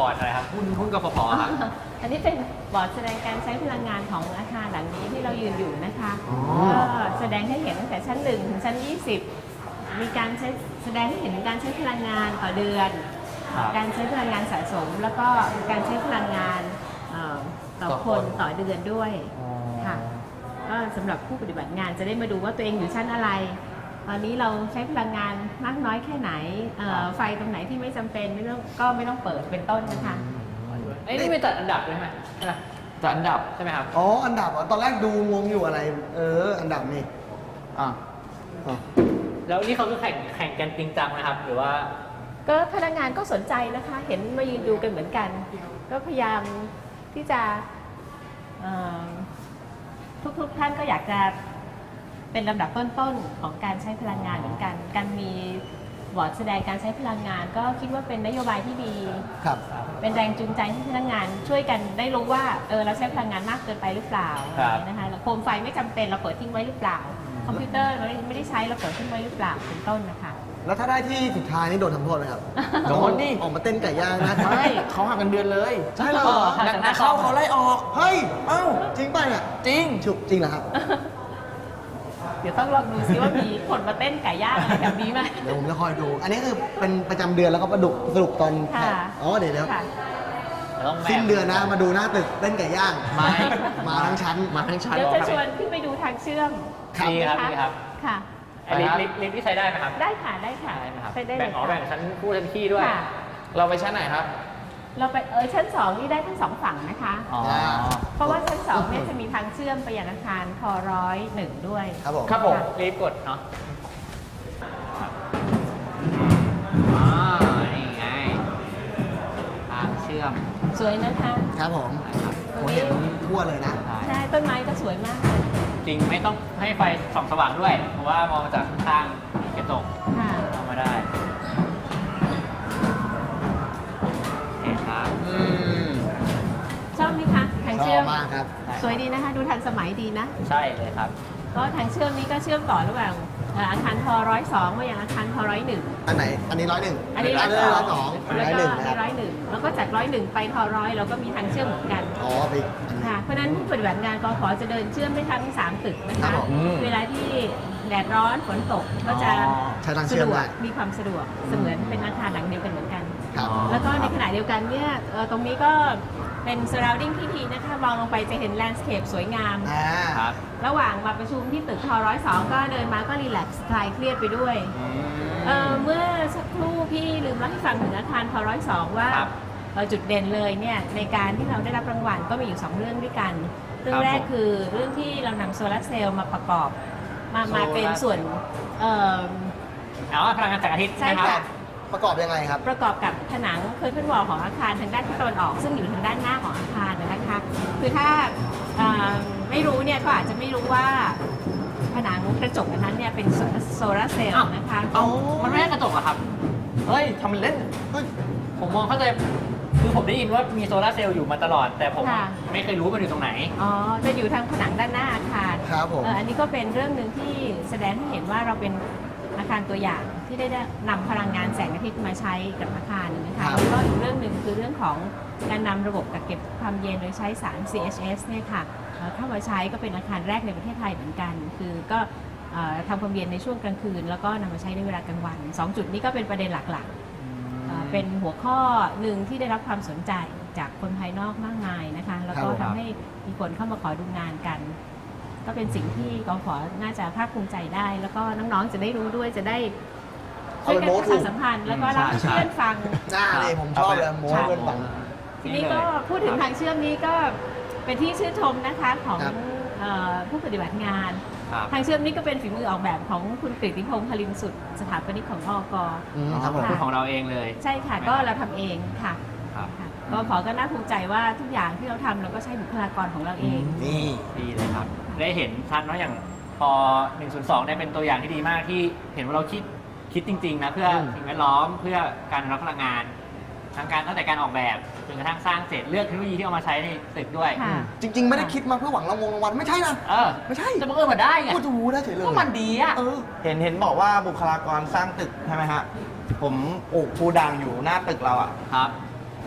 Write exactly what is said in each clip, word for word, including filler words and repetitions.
ร์ดอะไรครับหุ้นหุ้นกฟผครับอันนี้เป็นบอร์ดแสดงการใช้พลังงานของอาคารหลังนี้ที่เรายืนอยู่นะคะก็แสดงให้เห็นตั้งแต่ชั้นหนึ่งถึงชั้นยี่สิบมีการใช้แสดงให้เห็นถึงการใช้พลังงานต่อเดือนครับการใช้พลังงานสะสม แล้วก็การใช้พลังงานเอ่อต่อต่อคคน นต่อเดือนด้วยค่ะก็สำหรับผู้ปฏิบัติงานจะได้มาดูว่าตัวเองอยู่ชั้นอะไร ตอนนี้เราใช้พลังงานมากน้อยแค่ไหนเอ่อไฟตรงไหนที่ไม่จำเป็นไม่ต้องก็ไม่ต้องเปิดเป็นต้นนะคะไอ้ยนี่เป็นจัดอันดับด้วยไหมใช่ไหมจัดอันดับใช่ไหมครับอ๋ออันดับเหรอตอนแรกดูงงอยู่อะไร เออ อันดับนี่อ่าอ๋อแล้วนี่เขาคือแข่งแข่งกันจริงจังนะครับ หรือว่าก็พนักงานก็สนใจนะคะ เห็นมายืนดูกันเหมือนกัน ก็พยายามที่จะเอ่อทุกๆท่านก็อยากจะเป็นลำดับต้นๆของการใช้พลังงานเหมือนกัน การมีบอร์ดแสดงการใช้พลังงาน ก็คิดว่าเป็นนโยบายที่ดีครับเป็นแรงจูงใจให้พนักงานช่วยกันได้รู้ว่าเออเราใช้พลังงานมากเกินไปหรือเปล่าครับนะคะแล้วโคมไฟไม่จำเป็นเราเปิดทิ้งไว้หรือเปล่า คอมพิวเตอร์เราไม่ได้ใช้เราเปิดทิ้งไว้หรือเปล่าเป็นต้นนะคะแล้วถ้าได้ที่สุดท้ายนี่โดนทำโทษไหมครับโดนดิออกมาเต้นไก่ย่างนะไม่เขาหักกันเดือนเลยใช่เหรอนักนักเข้าเขาไล่ออกเฮ้ยเอ้าจริงป่ะเนี่ยจริงฉุกจริงเหรอครับเดี๋ยวต้องลองดูซิว่ามีคนมาเต้นไก่ย่างอะไรแบบนี้ไหมเดี๋ยวผมจะคอยดู อันนี้คือเป็นประจำเดือนแล้วก็ประดุกสรุปตอนค่ะอ๋อเดี๋ยวเดี๋ยวค่ะต้องแบ่งสิ้นเดือนนะมาดูหน้าตึกเต้นไก่ย่างไม่มาทั้งชั้นมาทั้งชั้นเดี๋ยวหรอจะครับชวนขึ้นไปดูทางเชื่อมครับดีครับนะะดีครับค่ะไอ้ลิฟต์ลิฟต์ลิฟต์ที่ใช้ได้ไหมครับได้ค่ะได้ค่ะได้ไหมครับไปได้เลแบ่งยอ๋อค่ะแบ่งชั้นคู่ชั้นขี้ด้วยค่ะเราไปชั้นไหนครับเราไปเออชั้นสองนี่ได้ทั้งสองฝั่งนะคะอ๋อเพราะว่าชั้นสองเนี่ยจะมีทางเชื่อมไปยังอาคารทร้อยหนึ่งด้วยครับผมครับผมรีบกดเนาะอ่านี่ไงทางเชื่อมสวยนะคะครับผมนะครับผมเห็นทั่วเลยนะใช่ใช่ต้นไม้ก็สวยมากเลยจริงไม่ต้องให้ไฟส่องสว่างด้วย เพราะว่ามองจากข้างๆกระจกค่ะเข้ามาได้เห็นครับอืมชอบไหมคะทางชอเชื่อบ มมากครับสวยดีนะคะ ดูทันสมัยดีนะใช่เลยครับก็ทางเชื่อมนี้ก็เชื่อมต่อระหว่างเอ่ออาคารทร้อยสองมายังอาคารทร้อยหนึ่งอันไหน อันนี้ร้อยหนึ่งอันนี้ร้ร้ออย ยสสออง งร้แล้วอยก็หนึ่งนะครับร้อยหนึ่งแล้วก็จากร้อยหนึ่งไปทร้อยเราก็มีทางเชื่อมเหมือนกันอ๋อไปอีกอันหนึ่งค่ะเพราะฉะนั้นผู้ปฏิบัติงานกขจะเดินเชื่อมได้ทั้งสามตึกนะครัคะบผมเวลาที่แดดร้อนฝนตกก็จะอ๋อใช้ทางเชื่สะอมดวได้กมีความสะดวกเสมือนเป็นอาคารหลังเดียวกันเหมือนกันครับอ๋อแล้วก็ในขณะเดียวกันเนี่ยเอ่อตรงนี้ก็เป็น surrounding ที่ดีนะคะมองลงไปจะเห็น landscape สวยงามอ่าครับระหว่างมาประชุมที่ตึกทร้อยสองก็เดินมาก็รีแลกซ์คลายเครียดไปด้วยเอ่อเมื่อสักครู่พี่ลืมเล่าให้ฟังถึงอาคารทร้อยสองว่าครับเอ่อจุดเด่นเลยเนี่ยในการที่เราได้รับรางวัลก็มีอยู่สองเรื่องด้วยกัน เรื่อครังบแรกผมคือเรื่องที่เรานำโซลาร์เซลล์มาประกอบ มามาเป็นโซลาร์ส่วนเอ่อเอาพลังงานแสงอาทิตย์ใช่ไหมค่ะรับประกอบยังไงครับประกอบกับผนังเคอร์เทนวอลของอาคารทางด้านทิศตะวันออก ซึ่งอยู่ทางด้านหน้าของอาคารนะคะ คือถ้าเอ่อไม่รู้เนี่ยก็อาจจะไม่รู้ว่าผนังกระจกอันนั้นเนี่ยเป็นโซลาร์เซลล์นะคะเอามันไม่ใช่กระจกอะครับเฮ้ยทำเป็นเล่นเฮ้ยผมมองเข้าใจ คือผมได้ยินว่ามีโซลาร์เซลล์อยู่มาตลอด แต่ผมค่ะไม่เคยรู้ว่ามันอยู่ตรงไหนอ๋อจะอยู่ทางผนังด้านหน้าอาคารครับผมเอ่ออันนี้ก็เป็นเรื่องหนึ่งที่แสดงให้เห็นว่าเราเป็นอาคารตัวอย่างที่ได้นำพลังงานแสงอาทิตย์มาใช้กับอาคารนะคะครับแล้วก็อีกเรื่องหนึ่งคือเรื่องของการนำระบบกักเก็บความเย็นโดยใช้สาร ซี เอช เอส เนี่ยค่ะเอ่อเข้ามาใช้ก็เป็นอาคารแรกในประเทศไทยเหมือนกัน คือก็เอ่อทำความเย็นในช่วงกลางคืน แล้วก็นำมาใช้ในเวลากลางวันสองจุดนี้ก็เป็นประเด็นหลักๆเอ่อเป็นหัวข้อหนึ่งที่ได้รับความสนใจจากคนภายนอกมากมายนะคะ แล้วก็ครับทำให้มีคนเข้ามาขอดูงานกัน ก็เป็นสิ่งที่กขน่าจะภาคภูมิใจได้ แล้วก็น้องๆจะได้รู้ด้วยจะได้ช่วยกันประชาสัมพันธ์แล้วก็รับใช่เพื่อนฟังหน้าเลยผมชอบเลยโม้เพื่อนฟังทีนี้ก็พูดถึงทางเชื่อมนี้ก็เป็นที่ชื่นชมนะคะของครับเอ่อผู้ปฏิบัติงานครับทางเชื่อมนี้ก็เป็นฝีมือออกแบบของคุณกฤติพงษ์พลินสุดสถาปนิกของอกอืมอ๋อครับผมเป็นของเราเองเลยใช่ค่ะก็เราทำเองค่ะครับค่ะก็ขอก็น่าภูมิใจว่าทุกอย่างที่เราทำเราก็ใช้บุคลากรของเราเองนี่ดีเลยครับ ได้เห็นชัดเนาะอย่างพอหนึ่งศูนย์สองเนี่ยเป็นตัวอย่างที่ดีมากที่เห็นว่าเราคิดคิดจริงๆนะเพื่ออืมสิ่งแวดล้อมเพื่อการอนุรักษ์พลังงานทั้งการตั้งแต่การออกแบบจนกระทั่งสร้างเสร็จเลือกเทคโนโลยีที่เอามาใช้ในตึกด้วยค่ะจริง ๆ ไม่ได้คิดมาเพื่อหวังรางวงรางวัลไม่ใช่นะเออไม่ใช่จะบังเอิญมาได้ไงพูดถูได้เฉยเลยก็มันดีอ่ะเออเห็นเห็นบอกว่าบุคลากรสร้างตึกใช่ไหมฮะ ผมปลูกภูด่างอยู่หน้าตึกเราอ่ะครับผ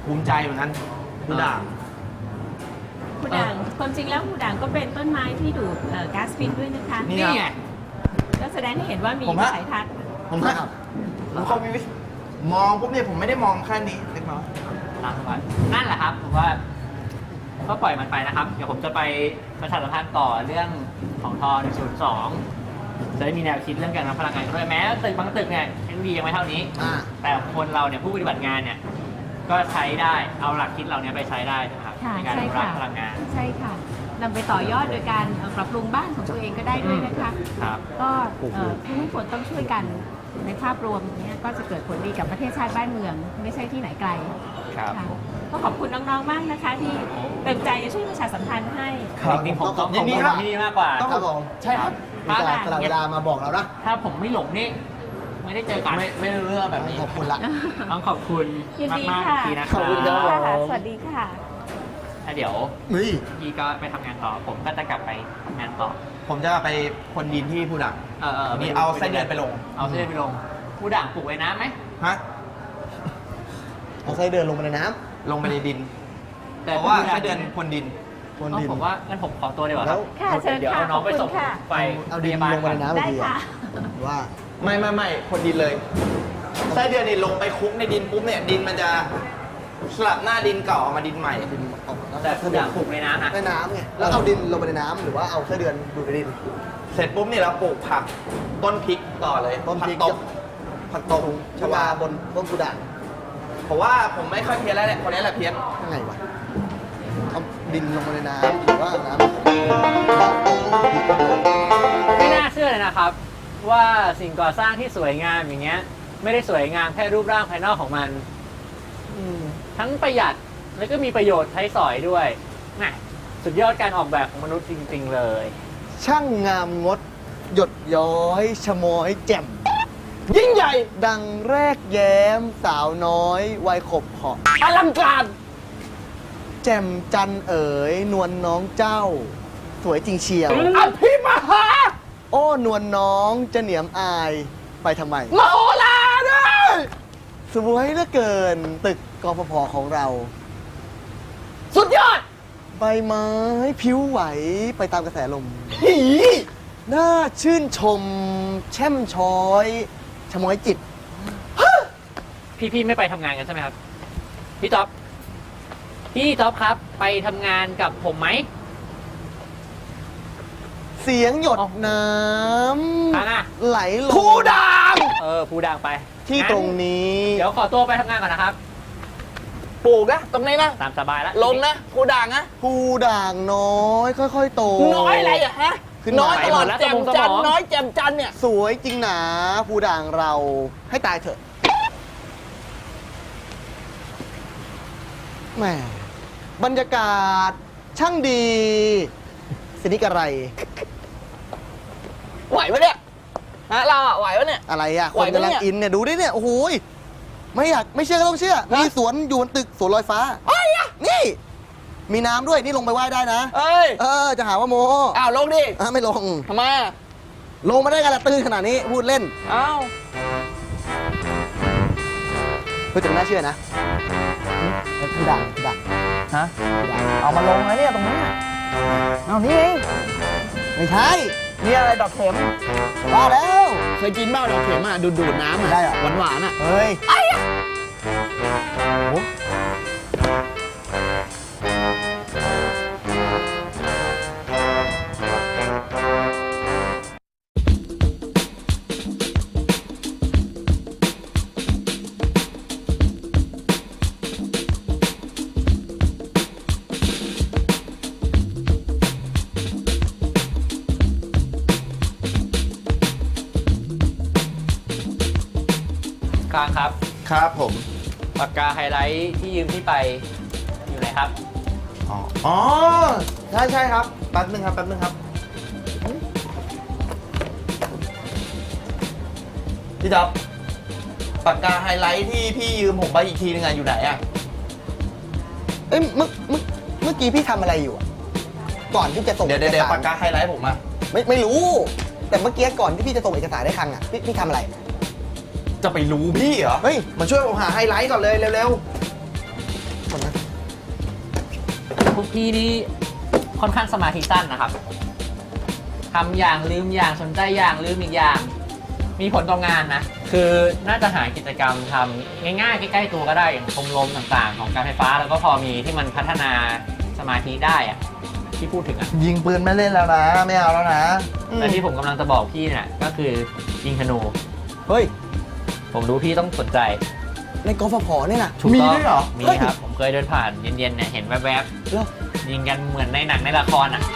ภูมิใจเหมือนกันผู้ด่างหูด่างความจริงแล้วหูด่างก็เป็นต้นไม้ที่ดูดเอ่อก๊าซพิษด้วยนะคะนี่นี่ไงก็แสดงให้เห็นว่ามีผมวิฮะสัยทัศน์ผมว่าผมเขามีวิธีมองปุ๊บเนี่ยผมไม่ได้มองแค่นี้เล็กน้อยตามสบายนั่นแหละครับผมว่าก็ปล่อยมันไปนะครับ เดี๋ยวผมจะไปประชาสัมพันธ์ต่อเรื่องของทอหนึ่งศูนย์สองจะได้มีแนวคิดเรื่องการนำพลังงานด้วยแม้ตึกบางตึกเนี่ยเทคโนโลยียังไม่เท่านี้อ่าแต่คนเราเนี่ยผู้ปฏิบัติงานเนี่ยก็ใช้ได้เอาหลักคิดเราเนี่ยไปใช้ได้นะครับค่ะในการใช่อนุรักค่ะษ์พลังงานใช่ค่ะนำไปต่อยอดโดยการเอ่อปรับปรุงบ้านของตัวเองก็ได้ด้วยนะคะครับก็เอ่อทุกคนต้องช่วยกันในภาพรวมเนี้ก็จะเกิดผลดีกับประเทศชาติบ้านเมือง ไม่ใช่ที่ไหนไกลครับค่ะก็ขอบคุณน้องๆมากนะคะ ที่เต็มใจจะช่วยประชาสัมพันธ์ให้จริงๆผมต้องยิขอบนดีคุณครับที่นี่มากกว่าครับผมใช่ครับมีแต่สละเวลามาบอกเรานะถ้าผมไม่หลงนี่ไม่ได้เจอกันไม่ไม่รู้เรื่องแบบนี้ขอบคุณละต้องขอบคุณยินดีมากๆค่ะทีนะคขอบคุณครับรับค่ะสวัสดีค่ะแล้วเดี๋ยวนี่พี่ก็ไปทำงานต่อ ผมก็จะกลับไปทำงานต่อผมจะไปคนดินที่ผู้ด่างเออเออนี่เอาไส้เดือนไปลงเอาไส้เดือนไปลง ผู้ด่างปลูกไว้น้ำไหมฮะเอาไส้เดือนลงไปในน้ลงไปในดินแต่เพราะว่าผู้ด่งไส้เดือนคนดินำบนเอาดินผมว่างั้นผมขอตัวดีกว่าแล้วค่ะเชิญเดี๋ยวค่ะเอาน้องไปขอบคุณส่งค่ะไปเอาดินพยบลลงไปในน้ำได้ค่ะว่าไม่ไม่ไม่คนดินเลยไส้เดือนนี่ลงไปคลุกในดินปุ๊บเนี่ยดินมันจะสลับหน้าดินเก่าออกมาดินใหม่ดินออกแต่ผู้ด่างปลูกในน้ำนะในน้ำไงแล้วเอาดินลงไปในน้ำหรือว่าเอาไส้เดือนดูดในดินเสร็จปุ๊บเนี่ยเราปลูกผักต้นพริกต่อเลยต้นพริกผัตบผักตบชวาบนต้นกุด่างผมว่าผมไม่ค่อยเพี้ยนแล้วแหละคนนี้แหละเพี้ยนยังไงวะเอาดินลงไปในน้ำหรือว่าเอาน้ำไม่น่าเชื่อเลยนะครับ ว่าสิ่งก่อสร้างที่สวยงามอย่างเงี้ย ไม่ได้สวยงามแค่รูปร่างภายนอกของมันอืมทั้งประหยัดแล้วก็มีประโยชน์ใช้สอยด้วยแหม่สุดยอดการออกแบบของมนุษย์จริง ๆ เลยช่างงามงด หยดย้อยชะมอยแจ่มยิ่งใหญ่ดังแรกแย้มสาวน้อย วัยขบเหาะอลังการแจ่มจันเอ๋ย นวลน้องเจ้า สวยจริงเชียวอภิมหาโอ้ นวลน้องจะเหนียมอายไปทำไมมโหฬารด้วยสวยเหลือเกินตึกกพพของเราสุดยอดใบไม้ผิวไหวไปตามกระแสลมหีน่าชื่นชม แช่มช้อยชะมอยจิตพี่ๆไม่ไปทำงานกันใช่ไหมครับ พี่จ๊อบพี่จ๊อบครับ ไปทำงานกับผมไหมเสียงหยดอ๋อน้ทางอ่ะำไหลลงผู้ด่างเออผู้ด่างไปที่ตรงนี้เดี๋ยวขอตัวไปทำงานก่อนนะครับปลูกนะตรงนี้นะตามสบายแล้วลงนะผู้ด่างนะผู้ด่างน้อย ค่อยๆโตน้อยอะไรอะฮะขึ้นมาน้อยตลอดแจ่มจันทร์น้อยแจ่มจันทร์เนี่ยสวยจริงหนาผู้ด่างเราให้ตายเถอะแหมบรรยากาศช่างดีสินิกอะไรไหวปะเนี่ยฮะเราอะไหวปะเนี่ยอะไรอ่ะ คไหวน ปะกำลังเนี่ยอินเนี่ย ดูดิเนี่ย โอ้โหยไม่อยากไม่เชื่อก็ต้องเชื่อ มีสวนอยู่บนตึกสวนลอยฟ้าเอ้ยอะนี่ มีน้ำด้วย นี่ลงไปว่ายได้นะเอ้ยเออ จะหาว่าโมอ้าวลงดิอ่ะไม่ลงทำไมอะลงมาได้กันละตื้นขนาดนี้ พูดเล่นอ้าวเพื่อจะน่าเชื่อนะผู้ด่างผู้ด่างฮะเอามาลงเลยเนี่ยตรงนี้เอานี่ไงไม่ใช่นี่อะไรดอกเข็มว่าแล้วเคยกินเปล่าดอกเข็มอ่ะดูดดูดน้ำอ่ะได้เหรอหวานหวานๆอ่ะเฮ้ยโอ้กลางครับครับผมปากกาไฮไลท์ที่ยืมพี่ไปอยู่ไหนครับอ๋ออ๋อใช่ใช่ครับแป๊บนึงครับแป๊บนึงครับพี่จ๊อบปากกาไฮไลท์ที่พี่ยืมผมไปอีกทีนึงอะอยู่ไหนอะเอ้ยเมื่อเมื่อเมื่อกี้พี่ทำอะไรอยู่อะก่อนที่จะส่งเดี๋ยวเดี๋ยวเดี๋ยวอกปากกาไฮไลท์ผมอะไม่ไม่รู้ แต่เมื่อกี้ก่อนที่พี่จะส่งเอกสารได้ครั้งอ่ะพี่พี่ทำอะไรจะไปรู้พี่เหรอเฮ้ยมาช่วยผมหาไฮไลท์ก่อนเลยเร็วพวกพี่นี่ค่อนข้างสมาธิสั้นนะครับทำอย่างลืมอย่างสนใจอย่างลืมอีกอย่าง มีผลต่องานนะ คือน่าจะหากิจกรรมทำง่ายๆใกล้ๆตัวก็ได้อย่างชมรมต่างๆ ของการไฟฟ้าแล้วก็พอมีที่มันพัฒนาสมาธิได้อะที่พูดถึงอะยิงปืนไม่เล่นแล้วนะ ไม่เอาแล้วนะแต่ที่ผมกำลังจะบอกพี่เนี่ยก็คือยิงธนูเฮ้ยผมรู้พี่ต้องสนใจในกฟผเนี่ยนะถูกต้องมีด้วยเหรอมีครับ ผมเคยเดินผ่านเย็นๆเนี่ยเห็นแวบแล้วๆยิงกันเหมือนในหนังในละครอ่ะ